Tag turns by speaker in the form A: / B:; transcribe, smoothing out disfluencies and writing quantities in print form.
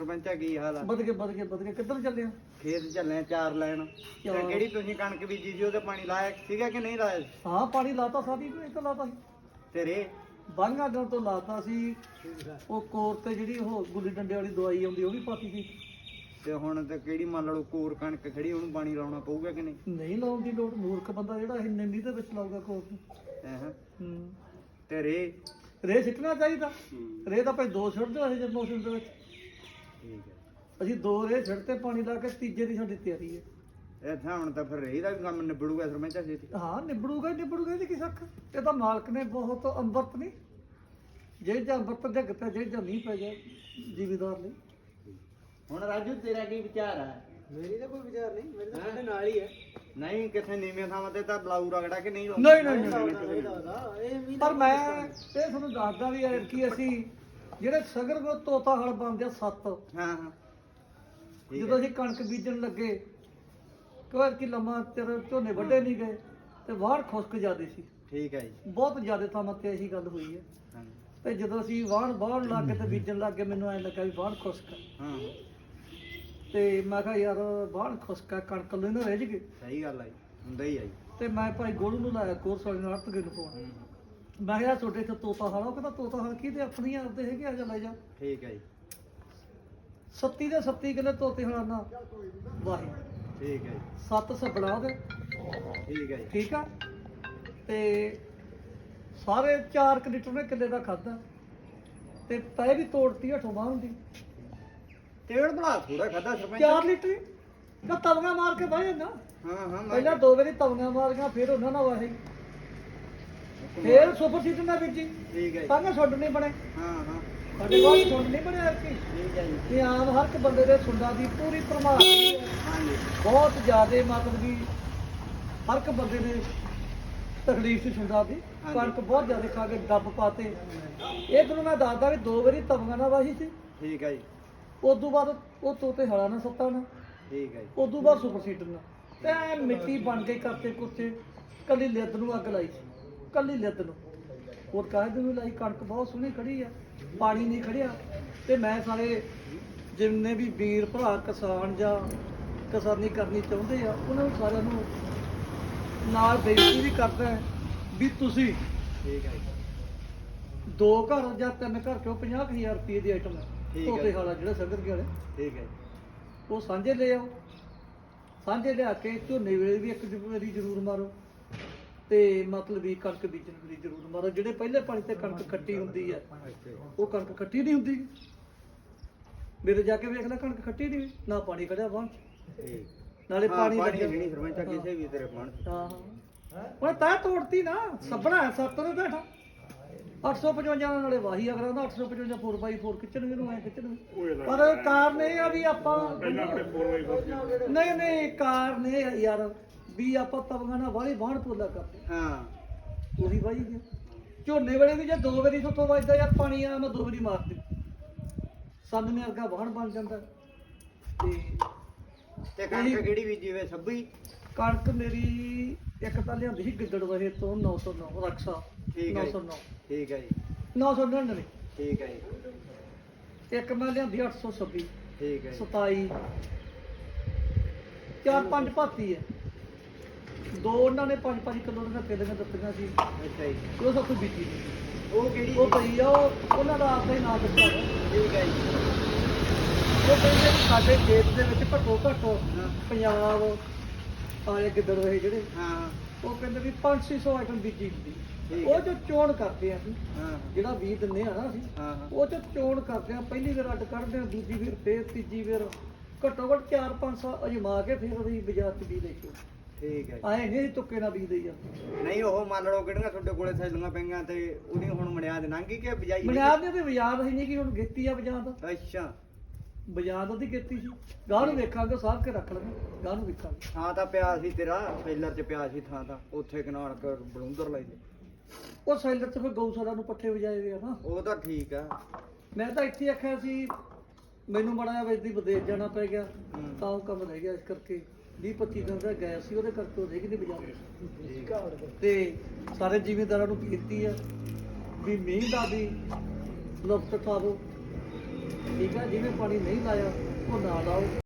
A: ਸਰਪੰਚਾ ਕੀ ਹਾਲ ਆ?
B: ਵਧ ਕੇ ਕਿੱਧਰ ਚੱਲੇ ਆ?
A: ਖੇਤ ਚੱਲੇ ਚਾਰ ਲੈਣ। ਤੇ
B: ਚਾਰ।
A: ਕਿਹੜੀ ਤੁਸੀਂ ਕਣਕ ਬੀਜੀ ਸੀ ਉਹਦੇ ਪਾਣੀ ਲਾਇਆ ਸੀਗਾ ਕਿ ਨਹੀਂ ਲਾਇਆ?
B: ਹਾਂ ਪਾਣੀ ਲਾਤਾ ਸਾਡੀ ਨੂੰ ਇੱਕ ਲਾਤਾ ਸੀ
A: ਤੇਰੇ
B: ਬਾਂਗਾ ਗਾਂ ਤੋਂ ਲਾਤਾ ਸੀ। ਉਹ ਕੋਰ ਤੇ ਜਿਹੜੀ ਉਹ ਗੁੱਲੀ ਡੰਡੇ ਵਾਲੀ ਦਵਾਈ ਆਉਂਦੀ ਉਹ ਵੀ ਪਾਤੀ ਸੀ।
A: ਤੇ ਹੁਣ ਤੇ ਕਿਹੜੀ ਮੰਨ ਲਓ ਕੋਰ ਕਣਕ ਖੜੀ ਉਹਨੂੰ ਪਾਣੀ ਲਾਉਣਾ ਪਊਗਾ ਕਿ ਨਹੀਂ?
B: ਨਹੀਂ ਲਾਉਣ ਦੀ ਲੋੜ, ਮੂਰਖ ਬੰਦਾ ਜਿਹੜਾ ਇਹ ਨਿੰਦੀ ਦੇ ਵਿੱਚ ਲਾਊਗਾ ਕੋਰ ਨੂੰ।
A: ਹਾਂ।
B: ਹੂੰ
A: ਤੇ
B: ਰੇ ਸਿੱਟਣਾ ਚਾਹੀਦਾ। ਰੇ ਤਾਂ ਭਾਈ ਦੋ ਛੱਡਦੇ ਅਸੀਂ ਜਦ ਮੌਸਮ ਦੇ ਵਿੱਚ।
A: ਠੀਕ ਹੈ।
B: ਅਸੀਂ ਦੋ ਰੇ ਛੱਡਤੇ ਪਾਣੀ ਲਾ ਕੇ, ਤੀਜੇ ਦੀ ਸਾਡੀ ਤਿਆਰੀ ਹੈ।
A: ਇੱਥੇ ਹੁਣ ਤਾਂ ਫਿਰ ਰੇਹ ਦਾ ਵੀ ਕੰਮ ਨਿਬੜੂਗਾ ਸਰਪੰਚਾ ਛੇਤੀ।
B: ਹਾਂ ਨਿਬੜੂਗਾ ਇਹਦੀ ਕੀ ਸੱਖ। ਇਹ ਤਾਂ ਮਾਲਕ ਨੇ ਬਹੁਤ ਅੰਮ੍ਰਿਤ ਨਹੀਂ, ਜੇ ਜਾਂ ਅੰਮ੍ਰਿਤ ਜਗ ਪਿਆ, ਜੇ ਜਾਂ ਨਹੀਂ ਪੈ ਗਿਆ ਜ਼ਿਮੀਦਾਰ ਲਈ।
A: ਹੁਣ ਰਾਜੂ ਤੇਰਾ ਕੀ ਵਿਚਾਰ ਆ?
B: ਮੇਰੀ ਤਾਂ ਕੋਈ ਵਿਚਾਰ ਨਹੀਂ, ਮੇਰੇ ਤਾਂ ਸਾਡੇ ਨਾਲ ਹੀ ਹੈ।
A: ਨਹੀਂ ਕਿੱਥੇ ਨੀਵੀਆਂ ਥਾਵਾਂ ਤੇ ਤਾਂ ਬਲਾਊ ਰਗੜਾ ਕਿ ਨਹੀਂ
B: ਨਹੀਂ ਪਰ ਮੈਂ ਇਹ ਤੁਹਾਨੂੰ ਦੱਸਦਾ ਵੀ ਹੈ ਕਿ ਅਸੀਂ ਜਿਹੜੇ ਸਗਰ ਕੋ ਤੋਤਾ ਹਲ ਬਣਦੇ ਆ 7।
A: ਹਾਂ ਹਾਂ।
B: ਜਦੋਂ ਅਸੀਂ ਕਣਕ ਬੀਜਣ ਲੱਗੇ ਕੋਈ ਕਿ ਲੰਮਾ ਚਿਰ ਝੋਨੇ ਵੱਡੇ ਨਹੀਂ ਗਏ ਤੇ ਵਾਹਣ ਖੁਸ਼ਕ ਜਾਂਦੇ ਸੀ।
A: ਠੀਕ ਹੈ ਜੀ।
B: ਬਹੁਤ ਜ਼ਿਆਦਾ ਥਾਵਾਂ ਤੇ ਇਹੀ ਗੱਲ ਹੋਈ ਹੈ।
A: ਹਾਂ
B: ਤੇ ਜਦੋਂ ਅਸੀਂ ਵਾਹਣ ਲੱਗ ਕੇ ਤੇ ਬੀਜਣ ਲੱਗ ਗਏ, ਮੈਨੂੰ ਐਂ ਲੱਗਾ ਵੀ ਵਾਹਣ ਖੁਸ਼ਕ।
A: ਹਾਂ
B: ਤੇ ਮੈਂ ਕਿਹਾ ਯਾਰ ਵਾਹਣ ਖੁਸ਼ਕ ਕਣਕ ਲੈ ਨਾ ਰਹਿ ਜਗੇ।
A: ਸਹੀ ਗੱਲ ਆ ਜੀ, ਹੁੰਦਾ ਹੀ ਆ ਜੀ।
B: ਤੇ ਮੈਂ ਭਾਈ ਗੋਲੂ ਨੂੰ ਲਾਇਆ ਕੋਰਸ ਵਾਲੇ ਨਾਲ ਤਗੇ ਨੂੰ ਫੋਨ। ਮੈਂ ਕਿਹਾ ਤੁਹਾਡੇ ਇੱਥੇ ਤੋਤਾ ਹਾਲ, ਉਹ ਕਹਿੰਦਾ ਤੋਤਾ ਹਾਲ ਕੀ ਤੇ ਆਪਣੀਆਂ ਆਪਦੇ ਹੈਗੇ, ਆ ਜਾ ਲੈ ਜਾ।
A: ਠੀਕ ਹੈ ਜੀ।
B: 37 ਦੇ 37 ਕਿੱਲੇ ਤੋਤੇ ਹਲਾਨਾ ਵਾਹੀ।
A: ਠੀਕ ਹੈ ਜੀ।
B: 7 ਸਬਲਾ ਦੇ।
A: ਠੀਕ ਹੈ ਜੀ।
B: ਠੀਕ ਆ। ਤੇ ਸਾਰੇ 4 ਲੀਟਰ ਨੇ ਕਿੱਲੇ ਦਾ ਖਾਦਾ ਤੇ ਤੈ ਵੀ ਤੋੜਤੀ ਹਠੋਂ ਬਾਹਰ ਦੀ।
A: ਤੇੜ ਬਣਾ ਥੋੜਾ ਖਾਦਾ ਸਰਪੰਚ।
B: 4 ਲੀਟਰ ਤਾਂ ਤਵੀਆਂ ਮਾਰ ਕੇ ਬਹਿ ਜਾਂਦਾ।
A: ਹਾਂ ਹਾਂ।
B: ਪਹਿਲਾਂ 2 ਵਾਰੀ ਤਵੀਆਂ ਮਾਰੀਆਂ, ਫਿਰ ਉਹਨਾਂ ਨਾਲ ਵਾਹੀ, ਫਿਰ ਸੁਪਰ ਸੀਟਰ ਨਾਲ ਬੀਜੀ।
A: ਠੀਕ ਹੈ ਜੀ।
B: ਤਾਂ ਸੁੰਡ ਨਹੀਂ ਬਣੇ।
A: ਹਾਂ ਹਾਂ।
B: ਸਾਡੇ ਕੋਲ ਸੁੰਡ ਨਹੀਂ ਬਣਿਆ ਕਿ
A: ਠੀਕ ਹੈ ਜੀ।
B: ਇਹ ਆਮ ਹਰ ਇੱਕ ਬੰਦੇ ਦੇ ਸੁੰਡਾਂ ਦੀ ਪੂਰੀ ਭਰਮਾਰ ਹੈ।
A: ਹਾਂਜੀ।
B: ਬਹੁਤ ਜ਼ਿਆਦੇ ਮਤਲਬ ਵੀ ਹਰ ਇੱਕ ਬੰਦੇ ਨੇ ਤਕਲੀਫ ਸੀ ਸੁੰਡਾਂ ਦੀ।
A: ਹਾਂਜੀ।
B: ਕਣਕ ਬਹੁਤ ਜ਼ਿਆਦਾ ਖਾ ਕੇ ਡੱਬ ਪਾਤੇ। ਇਹ ਤੁਹਾਨੂੰ ਮੈਂ ਦੱਸਦਾ ਵੀ 2 ਵਾਰੀ ਤਵੀਆਂ ਨਾਲ ਵਾਹੀ ਸੀ।
A: ਠੀਕ ਹੈ ਜੀ।
B: ਉਦੋਂ ਬਾਅਦ ਉਹ ਤੋਤੇ ਹਲਾ ਨਾ ਸੱਤਾ ਨਾ।
A: ਠੀਕ ਹੈ ਜੀ।
B: ਉਦੋਂ ਬਾਅਦ ਸੁਪਰ ਸੀਟਰ ਨਾਲ ਤੇ ਐਂ ਮਿੱਟੀ ਬਣ ਕੇ ਕਰਤੇ ਕੁੱਤੇ। ਕੱਲੀ ਲਿੱਦ ਨੂੰ ਅੱਗ ਲਾਈ ਸੀ, ਕੱਲੀ ਲਿੱਦ ਨੂੰ। ਹੋਰ ਕਾਹਦੇ ਨੂੰ ਲਾਈ? ਕਣਕ ਬਹੁਤ ਸੋਹਣੀ ਖੜੀ ਆ, ਪਾਣੀ ਨਹੀਂ ਖੜਿਆ। ਤੇ ਮੈਂ ਸਾਰੇ ਜਿੰਨੇ ਵੀ ਵੀਰ ਭਰਾ ਕਿਸਾਨ ਜਾਂ ਕਿਸਾਨੀ ਕਰਨੀ ਚਾਹੁੰਦੇ ਆ, ਉਹਨਾਂ ਨੂੰ ਸਾਰਿਆਂ ਨੂੰ ਨਾਲ ਬੇਨਤੀ ਵੀ ਕਰਦਾ ਹੈ ਵੀ ਤੁਸੀਂ
A: ਠੀਕ ਹੈ ਜੀ।
B: 2 ਘਰ ਜਾਂ 3 ਘਰ ਚੋਂ 50,000 ਰੁਪਏ ਦੀ ਆਈਟਮ
A: ਠੀਕ ਹੈ।
B: ਤੋਤੇ ਵਾਲਾ ਜਿਹੜਾ ਸੰਗਤ ਵਾਲੇ
A: ਠੀਕ ਹੈ।
B: ਉਹ ਸਾਂਝੇ ਲੈ ਆਓ। ਸਾਂਝੇ ਲਿਆ ਕੇ ਝੋਨੇ ਵੇਲੇ ਵੀ ਇੱਕ ਵਾਰੀ ਜ਼ਰੂਰ ਮਾਰੋ ਤੇ ਮਤਲਬ ਵੀ ਕਣਕ ਬੀਜਣ ਵੇਲੇ ਜ਼ਰੂਰ ਮਾਰੋ। ਜਿਹੜੇ ਪਹਿਲੇ ਪਾਣੀ ਤੇ ਕਣਕ ਖੱਟੀ ਹੁੰਦੀ ਹੈ, ਉਹ ਕਣਕ ਖੱਟੀ ਨਹੀਂ ਹੁੰਦੀ। ਮੇਰੇ ਜਾ ਕੇ ਵੇਖ ਲੈ, ਕਣਕ ਖੱਟੀ ਨਹੀਂ, ਨਾ ਪਾਣੀ ਖੜਿਆ ਬਾਹਰ
A: ਠੀਕ।
B: ਨਾਲੇ ਪਾਣੀ
A: ਲੱਗਿਆ ਨਹੀਂ ਸਰਪੰਚਾ ਕਿਸੇ ਵੀ ਤੇਰੇ ਮਨ।
B: ਹਾਂ ਉਹ ਤਾਂ ਤੋੜਤੀ ਨਾ। ਸੱਬਣਾ 7 ਦੇ ਬੈਠਾ 855 ਨਾਲੇ ਵਾਹੀ ਅਗਰ ਉਹਦਾ 855 4x4 ਖਿੱਚਣਗੇ ਨੂੰ ਐ ਖਿੱਚਣਗੇ। ਪਰ ਕਾਰਨ ਇਹ ਆ ਵੀ ਆਪਾਂ ਨਹੀਂ ਕਾਰਨ ਇਹ ਆ ਯਾਰ ਵੀ ਆਪਾਂ ਤਵੀਆਂ ਨਾਲ ਵਾਲੀ ਬਾਹਣ ਪੋਲਾ ਕਰਦੇ।
A: ਹਾਂ
B: ਉਹੀ ਵਾਹੀ ਗਿਆ ਝੋਨੇ ਵੇਲੇ ਵੀ ਜੇ 2 ਵਾਰੀ ਸੁੱਥੋਂ ਵੱਜਦਾ ਯਾਰ ਪਾਣੀ ਆ, ਮੈਂ 2 ਵਾਰੀ ਮਾਰਦੀ ਸੰਨ ਨੇ ਅਰਗਾ ਬਾਹਣ ਬਣ ਜਾਂਦਾ।
A: ਤੇ ਕਣਕ ਕਿਹੜੀ ਬੀਜੀ ਵੇ? 26।
B: ਕਣਕ ਮੇਰੀ ਇੱਕ ਤਾਂ ਲਿਆਂਦੀ ਸੀ ਗਿੱਦੜ ਵਹੇ ਤੋਂ 909 ਰਕਸ਼ਾ।
A: ਠੀਕ ਹੈ
B: 909
A: ਠੀਕ ਹੈ ਜੀ।
B: 999
A: ਠੀਕ ਹੈ ਜੀ।
B: ਇੱਕ ਮੈਂ ਲਿਆਂਦੀ 826।
A: ਠੀਕ ਹੈ
B: 27 4-5 ਭਾਤੀ ਹੈ। 2 ਉਹਨਾਂ ਨੇ 5-5 ਕਿਲੋ ਦੀਆਂ ਕਿੱਲੀਆਂ ਦਿੱਤੀਆਂ ਸੀ।
A: ਅੱਛਾ ਜੀ।
B: ਉਹ ਸਭ ਤੋਂ ਬੀਜੀ ਨਹੀਂ।
A: ਉਹ ਕਿਹੜੀ?
B: ਉਹ ਪਈ ਆ, ਉਹਨਾਂ ਦਾ ਆਪਦਾ ਹੀ ਨਾਮ ਦਿੱਤਾ ਹੈ।
A: ਠੀਕ ਹੈ ਜੀ।
B: ਉਹ ਕਹਿੰਦੇ ਵੀ ਸਾਡੇ ਖੇਤ ਦੇ ਵਿੱਚ ਘੱਟੋ ਘੱਟ ਪੰਜਾਬ ਆਲੇ ਗਿੱਦੜ ਰਹੇ ਜਿਹੜੇ,
A: ਹਾਂ
B: ਉਹ ਕਹਿੰਦੇ ਵੀ 500-600 ਆਈਟਮ ਬੀਜੀ ਹੁੰਦੀ।
A: ਠੀਕ
B: ਉਹ
A: ਹੈ।
B: ਜੋ ਚੋਣ ਕਰਦੇ ਆ ਅਸੀਂ,
A: ਹਾਂ
B: ਜਿਹੜਾ ਬੀਜ ਦਿੰਦੇ ਆ ਨਾ ਅਸੀਂ,
A: ਹਾਂ ਹਾਂ।
B: ਉਹ ਚ ਚੋਣ ਕਰਦੇ ਆ। ਪਹਿਲੀ ਵਾਰ ਅੱਡ ਕੱਢਦੇ ਆ, ਦੂਜੀ ਵਾਰ ਫੇਰ ਤੀਜੀ ਵਾਰ ਘੱਟੋ ਘੱਟ 4-500 ਅਜਮਾ ਕੇ ਫਿਰ ਅਸੀਂ ਬਾਜ਼ਾਰ ਚ ਬੀਜ ਲੈ ਕੇ
A: ਠੀਕ ਹੈ।
B: ਆਏ ਨਹੀਂ ਤੁੱਕੇ ਨਾਲ ਬੀਜ ਦੇਈ ਜਾਂਦੇ।
A: ਨਹੀਂ ਉਹ ਮੰਨ ਲਓ ਕਿਹੜੀਆਂ ਤੁਹਾਡੇ ਕੋਲੇ ਥੈਲੀਆਂ ਪਈਆਂ ਤੇ ਉਹਦੀ ਹੁਣ ਮਨਿਆਦ ਲੰਘੀ ਕਿ ਬਜਾਈ?
B: ਬੁਨਿਆਦ ਨੇ ਤੇ ਬਾਜ਼ਾਰ ਹੀ ਨਹੀਂ ਕਿ ਹੁਣ ਗੇਤੀ ਆ ਬਾਜ਼ਾਰ।
A: ਅੱਛਾ।
B: ਬਾਜ਼ਾਰ ਉਹਦੀ ਗੇਤੀ ਸੀ। ਗਾਹ ਨੂੰ ਵੇਖਾਂਗੇ, ਸਾਧ ਕੇ ਰੱਖ ਲਾਂਗੇ, ਗਾਹ ਨੂੰ ਵੇਖਾਂਗੇ।
A: ਥਾਂ ਤਾਂ ਪਿਆ ਸੀ ਤੇਰਾ ਟ੍ਰੇਲਰ 'ਚ ਪਿਆ ਸੀ ਥਾਂ ਤਾਂ ਉੱਥੇ ਕਨਾਲ ਕਰ ਬਲੂੰਦਰ ਲਾਈ ਦੇ।
B: ਉਹ ਸੈਲਰ ਚ ਫਿਰ ਗਊਸ਼ਾਲਾ ਨੂੰ ਪੱਠੇ ਵਜਾਏ ਵੇ ਆ ਨਾ।
A: ਉਹ ਤਾਂ ਠੀਕ ਆ।
B: ਮੈਂ ਤਾਂ ਇੱਥੇ ਆਖਿਆ ਸੀ ਮੈਨੂੰ ਬੜਾ ਜਿਹਾ ਵੇਚਦੀ ਵਿਦੇਸ਼ ਜਾਣਾ ਪੈ ਗਿਆ, ਤਾਂ ਉਹ ਕੰਮ ਰਹਿ ਗਿਆ। ਇਸ ਕਰਕੇ 20-25 ਦਿਨ ਦਾ ਗਿਆ ਸੀ, ਉਹਦੇ ਕਰਕੇ ਉਹ ਰਹਿ ਗਈ ਬਾਜ਼ਾਰ। ਤੇ ਸਾਰੇ ਜ਼ਿਮੀਂਦਾਰਾਂ ਨੂੰ ਬੇਨਤੀ ਆ ਵੀ ਮੀਂਹ ਦਾ ਵੀ ਲੁਤਫ ਉਠਾਵੋ ਠੀਕ ਆ, ਜਿਹਨੇ ਪਾਣੀ ਨਹੀਂ ਲਾਇਆ ਉਹ ਨਾ ਲਾਓ।